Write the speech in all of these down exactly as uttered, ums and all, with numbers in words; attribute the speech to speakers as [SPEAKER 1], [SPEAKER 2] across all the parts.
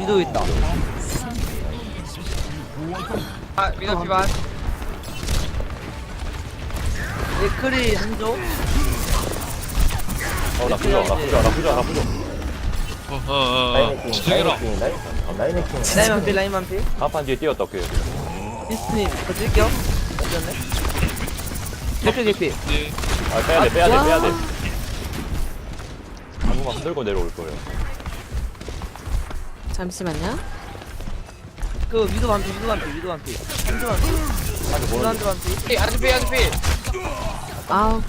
[SPEAKER 1] 위도 있다.
[SPEAKER 2] 아 미더 피반.
[SPEAKER 1] 맥크리 한조.
[SPEAKER 3] 어나 부져 나 부져 나 부져 나 부져.
[SPEAKER 4] 어어어
[SPEAKER 5] 라인해킹
[SPEAKER 4] 진정해라.
[SPEAKER 5] 라인해킹 라인 어, 라인해킹
[SPEAKER 1] 라인만 피 라인만 피.
[SPEAKER 3] 간판 뒤에 뛰었다 그.
[SPEAKER 1] 비스님 거 찔게요. 어쩌네. 맥크리 개피.
[SPEAKER 4] 네.
[SPEAKER 3] 아 빼야 돼 빼야 돼
[SPEAKER 1] 와.
[SPEAKER 3] 빼야 돼. 한 번만 흔들고 내려올 거예요.
[SPEAKER 6] 잠시만요.
[SPEAKER 1] 그 위도 반피 위도 반피 위도 반피. 한조 반피.
[SPEAKER 3] 한대
[SPEAKER 1] 위도
[SPEAKER 3] 보는
[SPEAKER 1] 한조 반피.
[SPEAKER 2] 피 아드피 아드피.
[SPEAKER 6] 아우.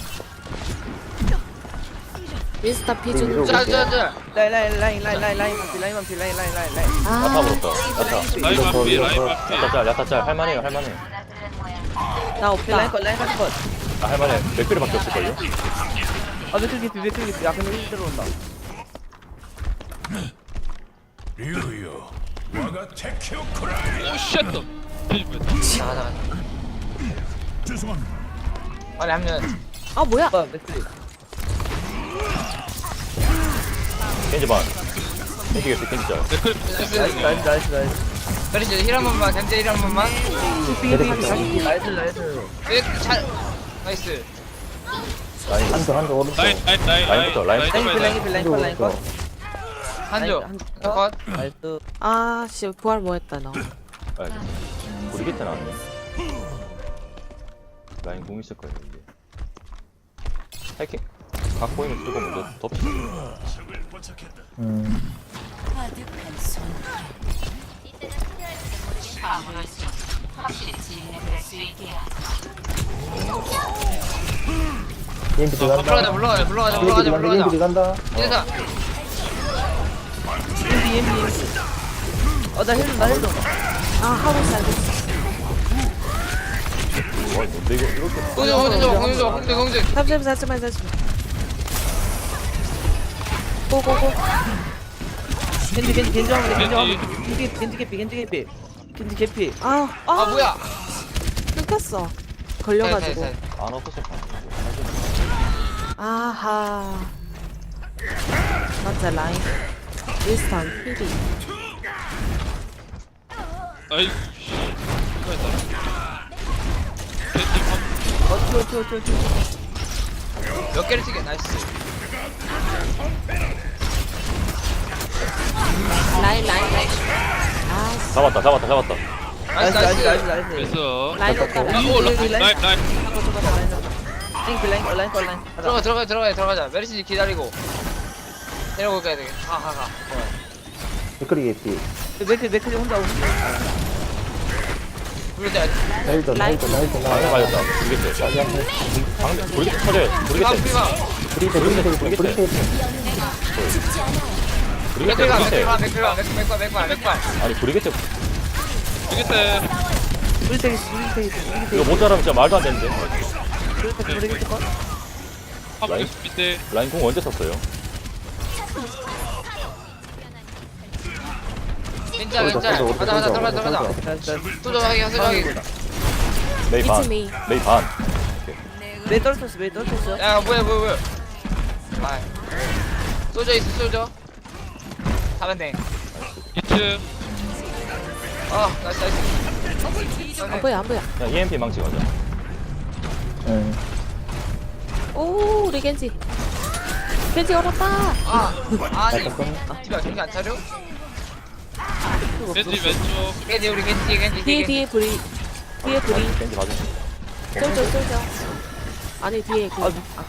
[SPEAKER 6] 미스터 피준.
[SPEAKER 2] 짜자자.
[SPEAKER 1] 라인 라인 라인 라인 라인 라인 반피 라인 반피 라인 라인 라인 라인.
[SPEAKER 3] 야타
[SPEAKER 6] 아,
[SPEAKER 3] 물었다. 야타.
[SPEAKER 4] 라인 마피 라인 마피.
[SPEAKER 3] 야타 짤 야타 짤 할만해요 할만해.
[SPEAKER 6] 나
[SPEAKER 1] 오케이, 라인
[SPEAKER 6] 없다.
[SPEAKER 1] 컷 라인 컷 컷.
[SPEAKER 3] 아 할만해. 맥크리밖에 없을걸요?
[SPEAKER 1] 아 맥크리 개피 맥크리 개피. 아 근데 힐 들어온다.
[SPEAKER 4] 오 쉣. 뒤집어.
[SPEAKER 2] 나가 나가. 빨리 합류는.
[SPEAKER 6] 아 뭐야?
[SPEAKER 1] 아 맥크리.
[SPEAKER 3] 겐지 반. 겐지 개피 겐지 짤.
[SPEAKER 4] 댓글
[SPEAKER 1] 나이스 나이스 나이스 나이스.
[SPEAKER 2] 그렇지 힐한 번만 견제 힐한 번만.
[SPEAKER 1] 개피 개피 개피. 나이스 나이스.
[SPEAKER 2] 네, 잘. 나이스.
[SPEAKER 3] 라인
[SPEAKER 5] 한쪽 한쪽 오른쪽
[SPEAKER 4] 라인 라인 라인
[SPEAKER 3] 라인부터, 라인.
[SPEAKER 1] 라인 피 라인
[SPEAKER 4] 라인
[SPEAKER 1] 피 라인 컷 라인 컷.
[SPEAKER 2] 한조.
[SPEAKER 1] 한조.
[SPEAKER 2] 컷.
[SPEAKER 1] 나이스.
[SPEAKER 6] 아, 씨 부활 뭐 했다 너.
[SPEAKER 3] 아, 우리 곁에 나왔네. 라인 공 있을 거예요 이제. 해킹. 각 보이면 쓰고 먼저 덮치고.
[SPEAKER 5] 음 이엠피
[SPEAKER 2] 물러가자
[SPEAKER 5] 들어간다
[SPEAKER 2] 물러가자 물러가자
[SPEAKER 5] 이엠피
[SPEAKER 2] 물러가자
[SPEAKER 5] 들어간다
[SPEAKER 2] 물러가자.
[SPEAKER 5] 이엠피 들어간다
[SPEAKER 2] 이래서
[SPEAKER 1] 엠비 엠비 엠비. 어나 힐 좀 나 힐 좀.
[SPEAKER 6] 아, 하고 살겠어.
[SPEAKER 3] 와 뭔데 이거 이렇게.
[SPEAKER 2] 공주 공주 공주 공주 공주.
[SPEAKER 6] 잠시만, 잠시만, 잠시만. 고고고.
[SPEAKER 1] 겐지 겐지 겐지 하면 돼 겐지 하면
[SPEAKER 4] 겐지.
[SPEAKER 1] 돼. 겐지 겐지 개피 겐지 개피. 겐지 개피.
[SPEAKER 6] 아, 아,
[SPEAKER 2] 아 뭐야?
[SPEAKER 6] 끊겼어.
[SPEAKER 2] 잘,
[SPEAKER 6] 걸려가지고.
[SPEAKER 2] 잘, 잘.
[SPEAKER 3] 안 없어서
[SPEAKER 6] 아하. 맞아 라인. 미스터 피리.
[SPEAKER 4] 아이 씨. 이거였다. 겐지 팝.
[SPEAKER 1] 어 튀어 튀어 튀어 튀어.
[SPEAKER 2] 몇 개를 치게 나이스.
[SPEAKER 6] 라인 라인 라인. 아, 씨.
[SPEAKER 3] 잡았다 잡았다 잡았다.
[SPEAKER 2] 나이스
[SPEAKER 1] 나이스 나이스
[SPEAKER 2] 나이스.
[SPEAKER 1] 나이스.
[SPEAKER 4] 그래서
[SPEAKER 6] 라인 없다.
[SPEAKER 4] 아,
[SPEAKER 6] 라인.
[SPEAKER 4] 오 라인 라인 라인.
[SPEAKER 1] 라인 그 라인 거 라인 거 라인.
[SPEAKER 2] 들어가 들어가 들어가 들어가자. 메리시 기다리고. 내려올 거야 돼. 가가 가.
[SPEAKER 5] 댓글이 개피
[SPEAKER 1] 맥크 맥크리 혼자 오고.
[SPEAKER 2] 부르자.
[SPEAKER 5] 헬전
[SPEAKER 6] 라인.
[SPEAKER 5] 헬전 헬전
[SPEAKER 3] 방에
[SPEAKER 5] 라인
[SPEAKER 3] 맞았다. 모르겠어.
[SPEAKER 5] 라인 헬전
[SPEAKER 3] 방금 모르겠어 터져요.
[SPEAKER 2] 피방
[SPEAKER 3] 모르겠어.
[SPEAKER 2] 피방.
[SPEAKER 5] 브리테 브리테 브리테 브리테
[SPEAKER 2] 맥클가
[SPEAKER 3] 모르겠어.
[SPEAKER 2] 맥클가 맥클가 맥클 맥클 맥클.
[SPEAKER 3] 아니 모르겠어.
[SPEAKER 4] 되겠대.
[SPEAKER 1] 브리테기 브리테기
[SPEAKER 3] 이거 못 자라면 진짜 말도 안 되는데.
[SPEAKER 1] 브리테기 브리테기 컷.
[SPEAKER 4] 화물에 밑에
[SPEAKER 3] 라인 공 언제 썼어요?
[SPEAKER 2] 괜찮아 괜찮아. 가자 가자 들어가자 들어가자.
[SPEAKER 1] 나이스 나이스.
[SPEAKER 2] 소정하게 소정하게.
[SPEAKER 3] 메이 반.
[SPEAKER 6] It's me.
[SPEAKER 3] 메이 반.
[SPEAKER 1] 메이 떨어졌어 메이 떨어졌어.
[SPEAKER 2] 야 뭐야 뭐야 뭐야. 아. 쏘져 있어 쏘져. 하면 돼.
[SPEAKER 4] 이 층.
[SPEAKER 2] 아 나이스 나이스.
[SPEAKER 6] 안 보여 안 보여.
[SPEAKER 3] 그냥 이엠피 망치 가자.
[SPEAKER 5] 응
[SPEAKER 6] 오, 우리 겐지. 겐지 얼었다.
[SPEAKER 2] 아 아니.
[SPEAKER 5] 약간
[SPEAKER 2] 티가 정신 안 차려?
[SPEAKER 4] 겐지 왼쪽.
[SPEAKER 2] 겐지 우리 겐지 겐지
[SPEAKER 6] 뒤에
[SPEAKER 2] 겐지.
[SPEAKER 6] 뒤에 브리. 뒤에 브리.
[SPEAKER 3] 겐지 봐주시.
[SPEAKER 6] 쏠져 쏠져. 아니 뒤에 그
[SPEAKER 1] 아,
[SPEAKER 6] 아까.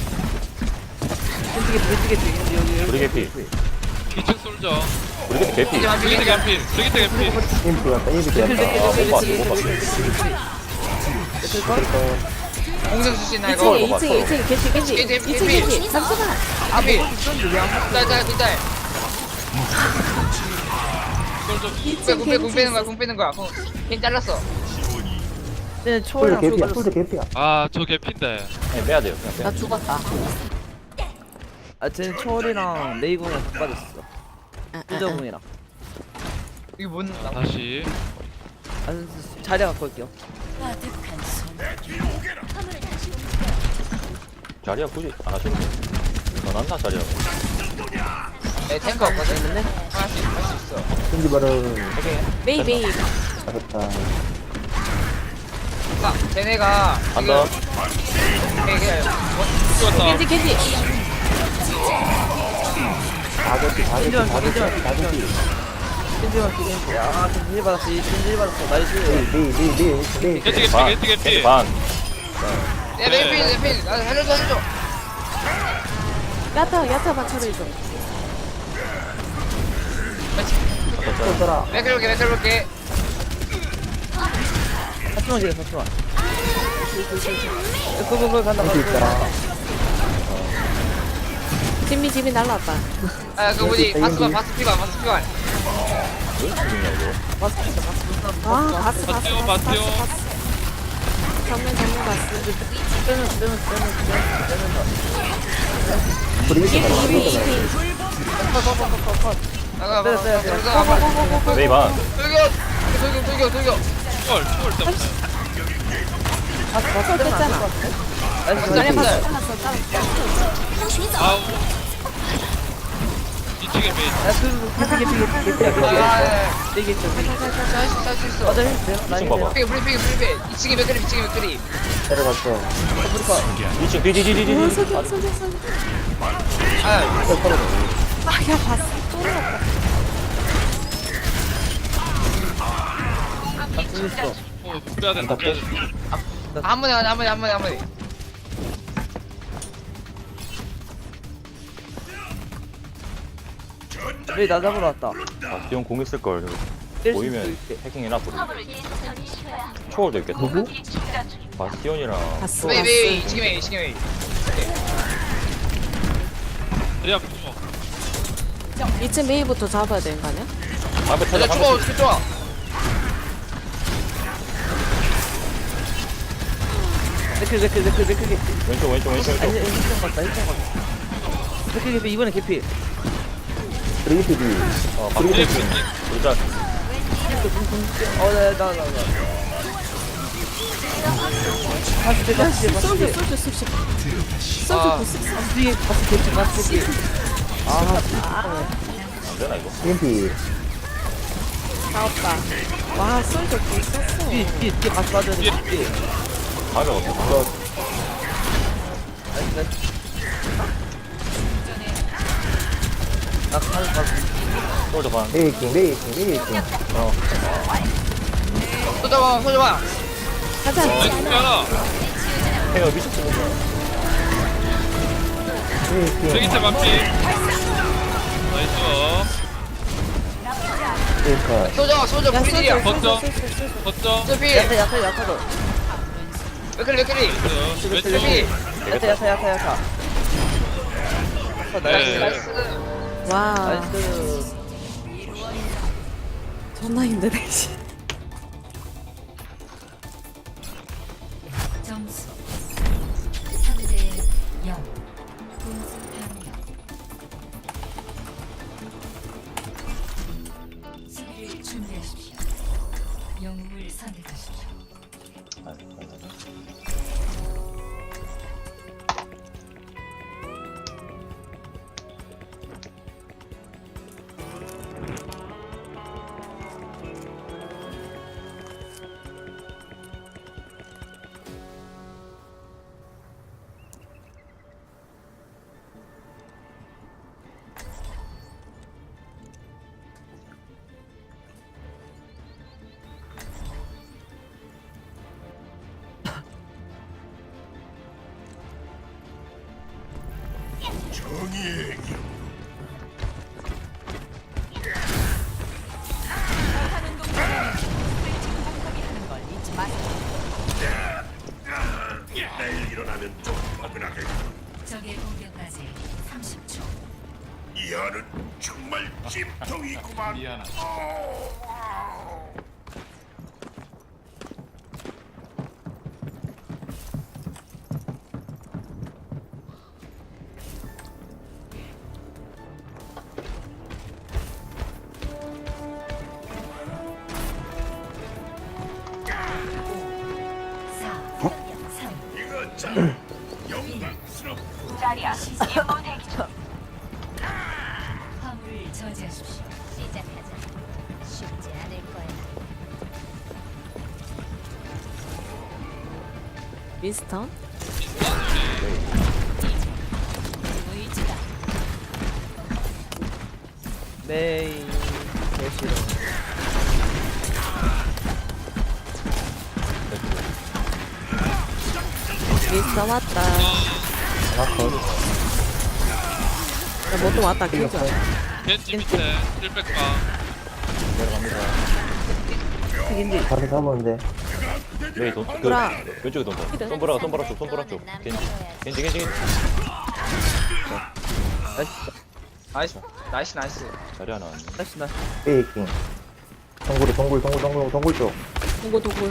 [SPEAKER 1] 겐지 개피 겐지 개피 겐지 여기 여기.
[SPEAKER 3] 우리 개피.
[SPEAKER 4] 이 층 솔져.
[SPEAKER 3] 우리 개피 개피.
[SPEAKER 2] 겐지 만
[SPEAKER 4] 브리기트
[SPEAKER 2] 겐지.
[SPEAKER 4] 개피. 브리기트 개피.
[SPEAKER 5] 이엠피 들어갔다 이엠피
[SPEAKER 1] 맥크리
[SPEAKER 5] 들어갔다
[SPEAKER 1] 맥크리
[SPEAKER 3] 아,
[SPEAKER 1] 맥크리
[SPEAKER 3] 못 봤어, 못
[SPEAKER 1] 맥크리
[SPEAKER 3] 봤어.
[SPEAKER 1] 맥크리 맥크리 컷.
[SPEAKER 2] 공성 출신나
[SPEAKER 6] 이 층에
[SPEAKER 2] 이거.
[SPEAKER 6] 이 층에 이 층에 겐지 겐지.
[SPEAKER 2] 겐지,
[SPEAKER 6] 이 층
[SPEAKER 2] 겐지.
[SPEAKER 6] 겐지. 잠시만.
[SPEAKER 2] 앞이.
[SPEAKER 1] 있었는데 왜안 봤어?
[SPEAKER 2] 짤짤 짤짤.
[SPEAKER 4] 솔져.
[SPEAKER 6] 이
[SPEAKER 2] 빼,
[SPEAKER 6] 층
[SPEAKER 2] 공 빼, 공
[SPEAKER 6] 겐지.
[SPEAKER 2] 빼는 거야, 공 빼는 거야. 공, 걔 잘랐어.
[SPEAKER 1] 쟤는
[SPEAKER 5] 풀
[SPEAKER 1] 초월이랑
[SPEAKER 5] 개피야
[SPEAKER 1] 쏘고
[SPEAKER 5] 풀 개피야
[SPEAKER 4] 아 저 개피인데.
[SPEAKER 3] 네, 빼야 돼요. 그냥
[SPEAKER 6] 나
[SPEAKER 3] 빼.
[SPEAKER 6] 죽었다.
[SPEAKER 1] 아 쟤는 초월이랑 레이공이랑 다 빠졌어.
[SPEAKER 6] 아, 아, 아.
[SPEAKER 1] 뚜저공이랑.
[SPEAKER 2] 이게 뭔, 나,
[SPEAKER 4] 다시.
[SPEAKER 1] 아 자리 갖고 올게요.
[SPEAKER 3] 자리야 굳이 안 하셔도 돼. 더 낫나 자리야.
[SPEAKER 2] 내 탱커 없거든. 할수 있어, 할수 있어.
[SPEAKER 5] 겐지 바로
[SPEAKER 6] 메이 메이.
[SPEAKER 5] 잘했다.
[SPEAKER 2] 아, 쟤네가
[SPEAKER 3] 간다.
[SPEAKER 2] 되게
[SPEAKER 4] 죽었다.
[SPEAKER 6] 겐지 겐지.
[SPEAKER 5] 다섯시 다섯시
[SPEAKER 1] 겐지만,
[SPEAKER 5] 다섯시
[SPEAKER 1] 겐지만,
[SPEAKER 5] 다섯시.
[SPEAKER 1] 겐지만 겐지. 아 겐지 받았어. 겐지 받았어. 나이스.
[SPEAKER 5] 네네네네.
[SPEAKER 4] 겐지 개피
[SPEAKER 3] 반.
[SPEAKER 4] 겐지 개피.
[SPEAKER 3] 반.
[SPEAKER 2] 내 메인필, 내필. 나 살려줘, 살려줘.
[SPEAKER 6] 야타 야타만 처리해줘.
[SPEAKER 5] 또 써라.
[SPEAKER 2] 맥을 볼게, 맥을 볼게.
[SPEAKER 1] 사치만 지금 사치만. 그거그거 간다.
[SPEAKER 5] 겐지 있다.
[SPEAKER 6] 지미 지미 날라왔다.
[SPEAKER 2] 아, 그 뭐지?
[SPEAKER 5] 여기,
[SPEAKER 2] 바스만,
[SPEAKER 5] 여기.
[SPEAKER 2] 바스 피반, 바스 피반.
[SPEAKER 3] 왜 죽이냐 이거?
[SPEAKER 6] 아 바스 바스
[SPEAKER 4] 바스요,
[SPEAKER 6] 바스
[SPEAKER 4] 바스요.
[SPEAKER 6] 바스 바스. 정면 정면 바스.
[SPEAKER 1] 빼면 빼면 빼면 빼면 빼면.
[SPEAKER 5] 브리기트 바로
[SPEAKER 6] 이비
[SPEAKER 5] 브리기트
[SPEAKER 6] 이비.
[SPEAKER 5] 바로.
[SPEAKER 1] 컷컷컷컷컷.
[SPEAKER 2] 나가,
[SPEAKER 1] 빼요,
[SPEAKER 2] 나가,
[SPEAKER 1] 빼요,
[SPEAKER 2] 나가,
[SPEAKER 1] 빼요.
[SPEAKER 2] 나가.
[SPEAKER 3] 메이 반.
[SPEAKER 2] 돌격, 돌격, 돌격, 돌격.
[SPEAKER 4] 헐, 헐 때문에.
[SPEAKER 1] 바스 바스
[SPEAKER 6] 컷
[SPEAKER 1] 빼면 안
[SPEAKER 6] 됐잖아.
[SPEAKER 1] 될것 같아. 나이스
[SPEAKER 2] 아니야,
[SPEAKER 1] 나이스.
[SPEAKER 2] 바스.
[SPEAKER 6] 잘랐어 잘랐어.
[SPEAKER 4] 아우. 이쪽에 메인.
[SPEAKER 1] 야, 그, 개피, 개피, 개피, 개피야,
[SPEAKER 2] 아,
[SPEAKER 1] 개피야.
[SPEAKER 2] 아,
[SPEAKER 1] 되게 있어.
[SPEAKER 2] 할 수 있어, 할 수 있어.
[SPEAKER 1] 맞아, 했어요.
[SPEAKER 3] 이층 봐봐.
[SPEAKER 2] 브리핑, 브리핑, 브리핑. 이층에 맥그리, 이층에 맥그리.
[SPEAKER 5] 내려갔어.
[SPEAKER 3] 이 층 뒤뒤뒤뒤뒤.
[SPEAKER 6] 오 속여 속여 속여.
[SPEAKER 2] 아,
[SPEAKER 6] 아야 바스 또 올랐다.
[SPEAKER 1] 있어.
[SPEAKER 4] 어, 빼야 된다. 빼야 된다.
[SPEAKER 2] 한 번에, 한 번에, 한 번에, 한 번에.
[SPEAKER 1] 여기 나 잡으러 왔다.
[SPEAKER 3] 아, 비용 공 있을 걸.
[SPEAKER 1] 뗄수
[SPEAKER 3] 보이면
[SPEAKER 1] 있게.
[SPEAKER 3] 해킹해놔 버리. 초월도 있겠다.
[SPEAKER 5] 누구?
[SPEAKER 3] 바스티온이랑
[SPEAKER 6] 바스
[SPEAKER 2] 메이, 메이,
[SPEAKER 6] 바스.
[SPEAKER 2] 이층에 메이, 이층에 메이.
[SPEAKER 4] 리아 부모.
[SPEAKER 6] 이쯤 메이부터 잡아야 되는 거 아니야?
[SPEAKER 3] 방패
[SPEAKER 2] 야,
[SPEAKER 3] 찾아.
[SPEAKER 2] 죽어,
[SPEAKER 3] 방패
[SPEAKER 2] 어떻게 좋아.
[SPEAKER 1] 맥클, 맥클, 맥클, 맥클 개피.
[SPEAKER 3] 왼쪽 왼쪽 왼쪽
[SPEAKER 1] 아니,
[SPEAKER 3] 왼쪽.
[SPEAKER 1] 일점 갔다, 일점 갔다. 맥클 개피, 이번에 개피.
[SPEAKER 5] 브리기트 뒤.
[SPEAKER 3] 어
[SPEAKER 4] 리아
[SPEAKER 3] 방패.
[SPEAKER 4] 부모.
[SPEAKER 3] 일단
[SPEAKER 1] 어, 나, 나, 나, 나. 바스 대, 바스 대, 바스
[SPEAKER 6] 솔져
[SPEAKER 1] 대.
[SPEAKER 6] 솔져 솔져.
[SPEAKER 2] 아.
[SPEAKER 6] 솔져 부스.
[SPEAKER 1] 바스 뒤에, 바스 개피, 바스 개피. 아,
[SPEAKER 3] 안 되나 이거?
[SPEAKER 5] 겐지.
[SPEAKER 6] 나왔다. 와 솔져 부스었어.
[SPEAKER 1] 뒤에, 뒤에, 뒤에 바스 빠져야 돼, 뒤에.
[SPEAKER 3] 방패 어떻게?
[SPEAKER 1] 나이스, 나이스. 나 가는 바스.
[SPEAKER 3] 솔저 반.
[SPEAKER 5] 메이킹 메이킹 메이킹.
[SPEAKER 3] 어.
[SPEAKER 2] 쏘자봐, 쏘자봐.
[SPEAKER 6] 가자.
[SPEAKER 4] 나이스 빼라.
[SPEAKER 3] 해가 미쳤어.
[SPEAKER 5] 메이킹.
[SPEAKER 4] 세기체 반피. 나이스.
[SPEAKER 5] 메이커.
[SPEAKER 2] 쏘자, 쏘자,
[SPEAKER 6] 야
[SPEAKER 2] 브리딜이야.
[SPEAKER 6] 솔져
[SPEAKER 4] 걷죠.
[SPEAKER 6] 솔져 솔져 솔져.
[SPEAKER 4] 걷죠.
[SPEAKER 2] 쏘피.
[SPEAKER 1] 야타, 야타, 야타도.
[SPEAKER 2] 맥그리, 맥그리.
[SPEAKER 4] 나이스. 왼쪽.
[SPEAKER 2] 쏘피.
[SPEAKER 1] 야타, 야타, 야타, 야타. 아,
[SPEAKER 2] 나이스,
[SPEAKER 4] 네.
[SPEAKER 2] 나이스.
[SPEAKER 6] 와
[SPEAKER 1] 나이스.
[SPEAKER 6] 존나 힘드네. 씨.
[SPEAKER 7] 점수 삼 대 영. 분수 변경. 수비를 준비하십시오. 영웅을 선택하십시오. 적의 공격까지 삼십 초.
[SPEAKER 8] 이하는 정말 찜통이구만.
[SPEAKER 4] 미안하다.
[SPEAKER 7] 사, 삼,
[SPEAKER 8] 이거 참 영광스럽고.
[SPEAKER 7] 자리야. 임무 대기 중. 화물 공격을 저지하십시오. 시작하자. 쉽지 않을 거야.
[SPEAKER 6] 미스턴?
[SPEAKER 7] 의지다.
[SPEAKER 1] 메이 개싫어.
[SPEAKER 6] 미스턴 왔다.
[SPEAKER 5] 하나 컷.
[SPEAKER 6] 야, 뭐또 왔다, 킬자.
[SPEAKER 4] 겐지 밑에 힐백가.
[SPEAKER 3] 내려갑니다.
[SPEAKER 1] 튀긴지.
[SPEAKER 5] 다시 잡았는데.
[SPEAKER 3] 메이 돈, 그,
[SPEAKER 6] 돌아.
[SPEAKER 3] 왼쪽에 돈 더. 손보라, 손보라 쪽, 손보라 쪽. 겐지, 겐지, 겐지, 겐지.
[SPEAKER 2] 나이스 나이스 나이스.
[SPEAKER 3] 자리 하나 왔네.
[SPEAKER 1] 다시 나.
[SPEAKER 5] 페이킹. 동굴이 동굴 동굴 동굴 동굴 쪽.
[SPEAKER 6] 도구, 도구.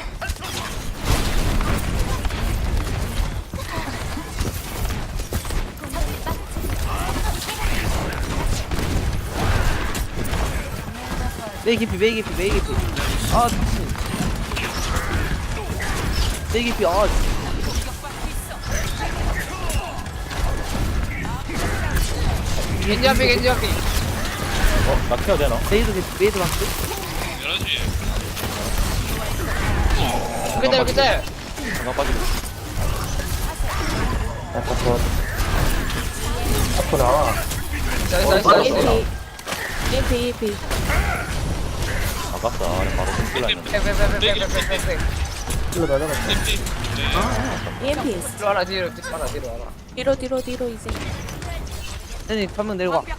[SPEAKER 1] 메이 깊이 메이 깊이 메이 깊이. 아 미친. 메이 깊이. 아.
[SPEAKER 2] 겐지 앞에 겐지 앞에.
[SPEAKER 3] 어, 나 케어 되나?
[SPEAKER 1] 메이도 깊이 메이도 많고.
[SPEAKER 4] 열한 시.
[SPEAKER 2] 그때 그때.
[SPEAKER 3] 하나 빠지고.
[SPEAKER 5] 약간 컷. 앞으로 나와.
[SPEAKER 2] 나이스 나이스 나이스.
[SPEAKER 6] EMP. EMP, EMP.
[SPEAKER 3] 아깝다. 바로 손질라 했는데.
[SPEAKER 2] 백백백백백백백.
[SPEAKER 5] 일로 다 잡았어.
[SPEAKER 4] 겐지. 네.
[SPEAKER 6] EMP.
[SPEAKER 2] 뒤로 와라 뒤로 뒤로 와라 뒤로 와라.
[SPEAKER 6] 뒤로, 뒤로, 뒤로, 이제.
[SPEAKER 1] 아니 한 명 내려가.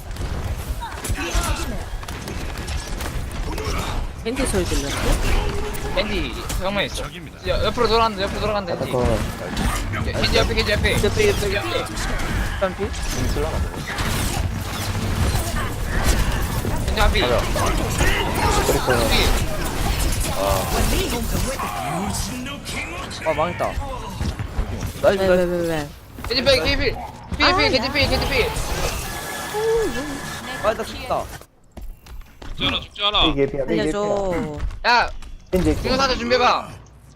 [SPEAKER 6] 겐지 소리 들렸어?
[SPEAKER 2] 겐지 정면 있어. 야, 옆으로 돌아간다 옆으로 돌아간다
[SPEAKER 5] 약간
[SPEAKER 2] 겐지.
[SPEAKER 5] 컷.
[SPEAKER 2] 겐지 옆에 겐지 옆에.
[SPEAKER 1] 옆에 옆에 옆에. 피
[SPEAKER 3] 손질라나 저거.
[SPEAKER 2] 겐지 앞에.
[SPEAKER 3] 가자.
[SPEAKER 1] 아 망했다.
[SPEAKER 6] 왜,
[SPEAKER 1] 나이스
[SPEAKER 6] 왜,
[SPEAKER 1] 나이스.
[SPEAKER 6] 왜, 왜.
[SPEAKER 2] 겐지 필 겐지 필. 필 필, 겐지 필 겐지 필.
[SPEAKER 1] 아 나 죽다.
[SPEAKER 4] 죽지 않아 죽지 않아.
[SPEAKER 5] 페이크 에피야 페이크 에피야.
[SPEAKER 6] 알려줘.
[SPEAKER 2] 야
[SPEAKER 5] 겐지 에피.
[SPEAKER 2] 중사자 준비해봐.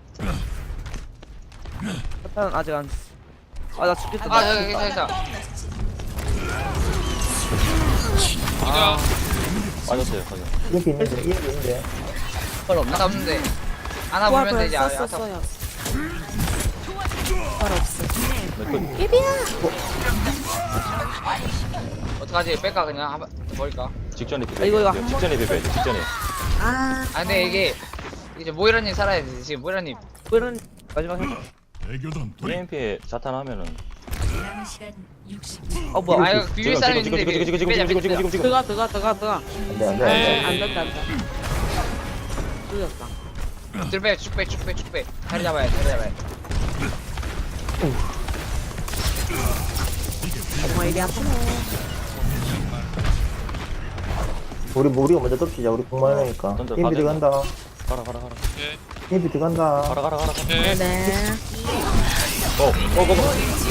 [SPEAKER 1] 사탄은 아직 안. 아 나 죽겠다.
[SPEAKER 2] 아
[SPEAKER 1] 나
[SPEAKER 2] 여기
[SPEAKER 1] 죽겠다.
[SPEAKER 2] 있어 있어.
[SPEAKER 4] 보자.
[SPEAKER 3] 빠졌어요, 빠져.
[SPEAKER 5] 이에피 있는데 이에피 있는데.
[SPEAKER 1] 헐 없나?
[SPEAKER 2] 하나 없는데. 하나
[SPEAKER 6] 부활
[SPEAKER 2] 보면 되지. 아,
[SPEAKER 6] 썼어,
[SPEAKER 2] 아,
[SPEAKER 6] 써요. 부활 없어.
[SPEAKER 3] 그,
[SPEAKER 6] 예비야!
[SPEAKER 2] 어떡하지? 뺄까 그냥 한번 버릴까?
[SPEAKER 3] 직전에 비벼야
[SPEAKER 1] 아, 이거, 이거
[SPEAKER 3] 돼.
[SPEAKER 1] 한
[SPEAKER 3] 직전에 비벼야 돼, 직전에.
[SPEAKER 6] 아,
[SPEAKER 2] 아 근데 이게 이제 모이라님 살아야 돼. 지금 모이라님.
[SPEAKER 1] 그런 마지막 해.
[SPEAKER 8] 대교던 돌이
[SPEAKER 3] 이엠피에 자탄하면
[SPEAKER 7] 남은 시간 육십 초.
[SPEAKER 1] 아 뭐야?
[SPEAKER 2] 아 이거 비빌
[SPEAKER 3] 지금,
[SPEAKER 2] 사람
[SPEAKER 3] 지금,
[SPEAKER 2] 있는데
[SPEAKER 3] 지금, 지금, 지금,
[SPEAKER 2] 빼자,
[SPEAKER 3] 지금,
[SPEAKER 2] 빼자.
[SPEAKER 3] 지금, 지금.
[SPEAKER 6] 들어가, 들어가, 들어가, 들어가.
[SPEAKER 5] 안돼 안돼
[SPEAKER 4] 네.
[SPEAKER 5] 안돼.
[SPEAKER 6] 안 된다, 안 된다. 늦었다.
[SPEAKER 2] 들 빼, 쭉 빼, 쭉 빼, 쭉 빼. 자리 잡아야 돼, 자리 잡아야 돼.
[SPEAKER 6] 정말 이리 아프네.
[SPEAKER 5] 우리 뭐 우리가 먼저 덮치자. 우리 공만 하니까.
[SPEAKER 3] 던져,
[SPEAKER 5] 이에피
[SPEAKER 3] 가자.
[SPEAKER 5] 들어간다.
[SPEAKER 3] 가라, 가라, 가라.
[SPEAKER 4] 오케이.
[SPEAKER 5] 이에피 들어간다.
[SPEAKER 3] 가라, 가라, 가라.
[SPEAKER 4] 오케이.
[SPEAKER 6] 네네.
[SPEAKER 3] 어, 어, 어, 어.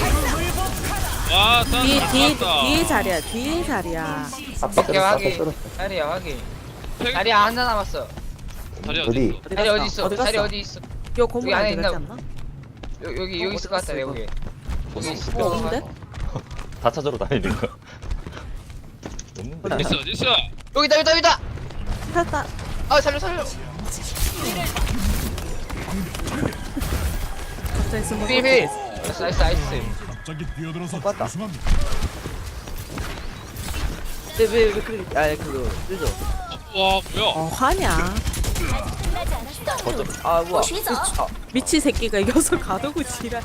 [SPEAKER 4] 와 싸.
[SPEAKER 6] 뒤에, 뒤에,
[SPEAKER 4] 싸웠다.
[SPEAKER 6] 뒤에 자리야, 뒤에 자리야.
[SPEAKER 5] 앞에
[SPEAKER 2] 오케이,
[SPEAKER 5] 떨었어. 앞에
[SPEAKER 2] 확인.
[SPEAKER 5] 떨었어.
[SPEAKER 2] 자리야, 확인.
[SPEAKER 4] 팩-
[SPEAKER 2] 자리야, 하나 남았어.
[SPEAKER 4] 다리
[SPEAKER 5] 어디?
[SPEAKER 4] 어디 있어?
[SPEAKER 6] 어디
[SPEAKER 2] 자리
[SPEAKER 6] 갔어?
[SPEAKER 2] 어디 있어?
[SPEAKER 6] 어디
[SPEAKER 2] 자리
[SPEAKER 6] 갔어?
[SPEAKER 2] 어디 있어?
[SPEAKER 6] 요 건물
[SPEAKER 2] 여기 안에
[SPEAKER 6] 안에 들어갔지
[SPEAKER 2] 있나?
[SPEAKER 6] 않나?
[SPEAKER 2] 여, 여기, 여기 있을 것 같다, 여기. 여기 있을
[SPEAKER 6] 어,
[SPEAKER 2] 것
[SPEAKER 6] 없는데?
[SPEAKER 2] 같아.
[SPEAKER 3] 다 찾으러 다니는 거. 없는데?
[SPEAKER 4] 어디 있어 어디 있어?
[SPEAKER 2] 여기다, 여기다, 여기다!
[SPEAKER 6] 살다.
[SPEAKER 2] 아, 살려, 살려!
[SPEAKER 6] 갑자기 숨어.
[SPEAKER 2] 비비! 나이스, 나이스, 나이스.
[SPEAKER 8] 갑자기 뛰어들어서
[SPEAKER 1] 맞다.
[SPEAKER 8] 죄송합니다.
[SPEAKER 1] 왜왜 왜 그래? 아 그거 늦어.
[SPEAKER 4] 와 뭐야?
[SPEAKER 6] 어, 화냐.
[SPEAKER 1] 아 뭐야? 아
[SPEAKER 6] 미치 새끼가 이겨서 가두고 지랄.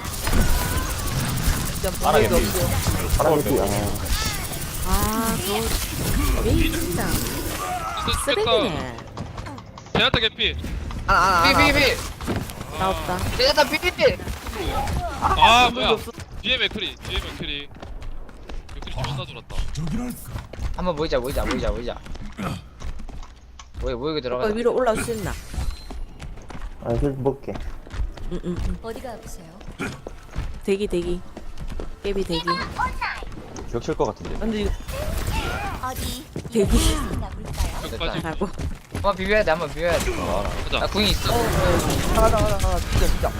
[SPEAKER 1] 진짜
[SPEAKER 3] 안
[SPEAKER 1] 방법이
[SPEAKER 3] 하겠네.
[SPEAKER 1] 없어.
[SPEAKER 5] 사람 에피. 아.
[SPEAKER 6] 아, 저, 왜 진짜. 쓰레기네.
[SPEAKER 4] 제나타 개피.
[SPEAKER 1] 아아아
[SPEAKER 2] 비, 비, 비!
[SPEAKER 6] 나 없다.
[SPEAKER 2] 제자타 비, 비!
[SPEAKER 4] 아 뭐야? 뒤에 맥크리. 뒤에 맥크리. 맥크리 존나 돌았다.
[SPEAKER 8] 저기랄까.
[SPEAKER 2] 한번 모이자, 모이자, 모이자, 모이자. 모이, 모이고
[SPEAKER 6] 오빠
[SPEAKER 2] 들어가자.
[SPEAKER 6] 위로 올라올 수 있나?
[SPEAKER 5] 아, 힐 먹게.
[SPEAKER 6] 응, 응, 응.
[SPEAKER 7] 어디가 아프세요?
[SPEAKER 6] 대기, 대기. 깨비 대기.
[SPEAKER 3] 겹칠 것 같은데.
[SPEAKER 1] 근데 이거
[SPEAKER 7] 어디?
[SPEAKER 6] 대기.
[SPEAKER 7] 나볼까요?
[SPEAKER 4] 끝까지.
[SPEAKER 6] 하고.
[SPEAKER 2] 한번 비벼야 돼, 한번 비벼야 돼.
[SPEAKER 3] 아,
[SPEAKER 2] 나
[SPEAKER 4] 가자.
[SPEAKER 2] 궁이 있어.
[SPEAKER 1] 하나 하나 하나 진짜 진짜.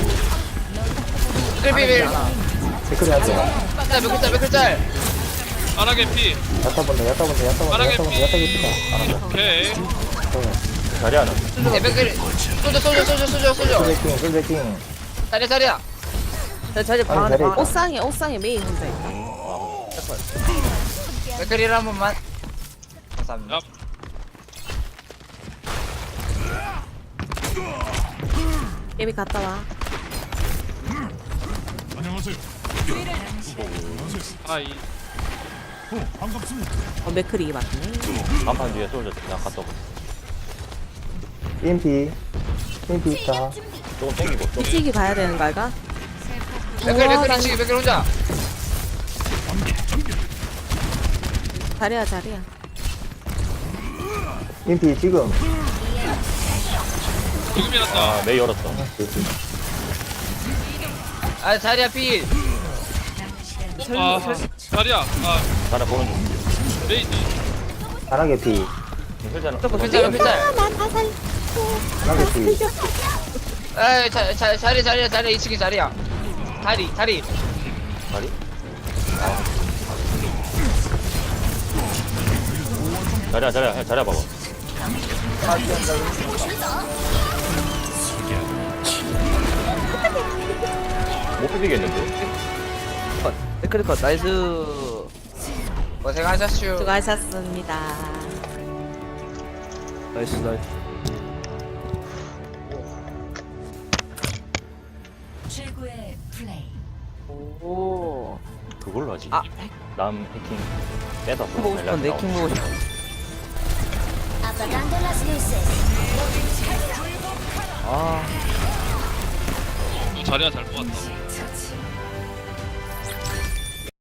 [SPEAKER 2] 일 비빌!
[SPEAKER 5] 댓글이 안 돼.
[SPEAKER 2] 짤, 몇 글짤, 몇 글짤!
[SPEAKER 4] 아나게 피.
[SPEAKER 5] 야타 본다 야타 본다 야타 본다
[SPEAKER 4] 빠르게
[SPEAKER 5] 야타 본다 야타 깊다.
[SPEAKER 4] 오케이.
[SPEAKER 3] 자리 하나.
[SPEAKER 2] 네, 맥크리. 쏘죠, 쏘죠, 쏘죠, 쏘죠, 쏘죠.
[SPEAKER 5] 솔제킹 솔제킹.
[SPEAKER 2] 자리야, 자리야.
[SPEAKER 1] 자, 자리 방
[SPEAKER 5] 아니,
[SPEAKER 1] 안에
[SPEAKER 5] 자리
[SPEAKER 1] 방.
[SPEAKER 6] 옷상에 옷상에 메이 혼자 있다.
[SPEAKER 2] 맥크리를 한 번만. 감사합니다.
[SPEAKER 4] 야.
[SPEAKER 6] 깨비 갔다 와.
[SPEAKER 8] 안녕하세요.
[SPEAKER 4] 아이.
[SPEAKER 8] 어, 반갑습니다.
[SPEAKER 6] 어 맥크리 맞네.
[SPEAKER 3] 간판 뒤에 쏠져. 그냥 갔다 오고.
[SPEAKER 5] 이엠피 이엠피 있다.
[SPEAKER 3] 조금 땡기고. 좀.
[SPEAKER 6] 일찍이 봐야 되는 거 알까?
[SPEAKER 2] 맥크리,
[SPEAKER 6] 우와,
[SPEAKER 2] 맥크리,
[SPEAKER 6] 난-
[SPEAKER 2] 지금 맥크리 혼자.
[SPEAKER 6] 자리야 자리야.
[SPEAKER 5] 이엠피 지금.
[SPEAKER 4] 지금이었다.
[SPEAKER 3] 아, 메이 열었어.
[SPEAKER 2] 아, 자리야, 필.
[SPEAKER 4] 아, 자리야. 아,
[SPEAKER 3] 자리 보는 중.
[SPEAKER 4] 레이지.
[SPEAKER 5] 하나게 피.
[SPEAKER 3] 힐자는.
[SPEAKER 2] 필자요, 필자.
[SPEAKER 6] 나다 살.
[SPEAKER 5] 하나게 피.
[SPEAKER 2] 에이, 자, 자, 자리, 자리야, 자리야. 이 층이 자리야. 다리, 다리.
[SPEAKER 3] 자리? 자리야, 자리야, 자리야 봐봐. 못 비비겠는데?
[SPEAKER 1] 컷. 댓글 컷. 나이스.
[SPEAKER 2] 고생하셨슈.
[SPEAKER 6] 수고하셨습니다.
[SPEAKER 1] 나이스, 나이스.
[SPEAKER 7] 최고의 플레이.
[SPEAKER 1] 오.
[SPEAKER 3] 그걸로 하지.
[SPEAKER 1] 아,
[SPEAKER 3] 남 해킹 뺏었어.
[SPEAKER 1] 킹 보고 싶었는데, 킹 보고 싶어.
[SPEAKER 7] Apagando las luces.
[SPEAKER 1] 아.
[SPEAKER 4] 어, 자리야 잘 뽑았다.